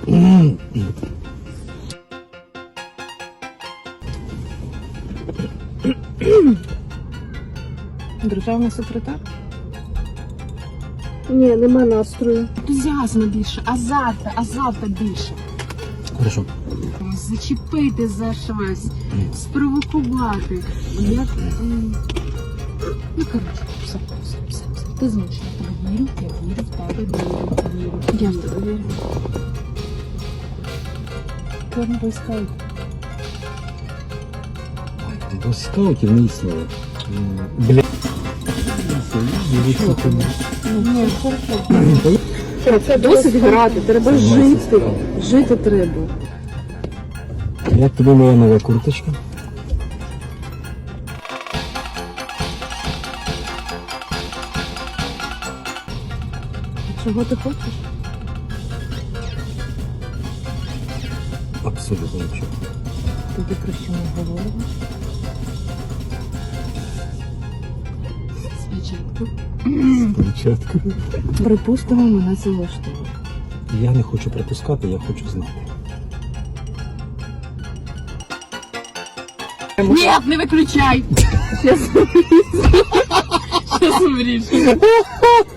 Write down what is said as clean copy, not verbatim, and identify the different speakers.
Speaker 1: Державний секретар?
Speaker 2: Ні, нема настрою.
Speaker 1: Ентузіазму більше, азарта більше.
Speaker 3: Хорошо.
Speaker 1: Зачепити за щось, спровокувати. Як... Ну, коротше, все. Ти змушена. Я вірю в тебе, вірю. Я в тебе вірю. Чорний бойскаут.
Speaker 3: Бойскаутів не існує. Бля.
Speaker 1: Ні, хорошо. Це досить грати, треба жити. Жити треба.
Speaker 3: Як тобі моя нова курточка?
Speaker 1: Чого ти хочеш?
Speaker 3: Абсолютно нічого.
Speaker 1: Тоді про що ми говоримо?
Speaker 3: Спочатку.
Speaker 1: Припустимо, мене це влаштовує.
Speaker 3: Я не хочу припускати, я хочу знати.
Speaker 1: Ні, не виключай! Щас вирішу.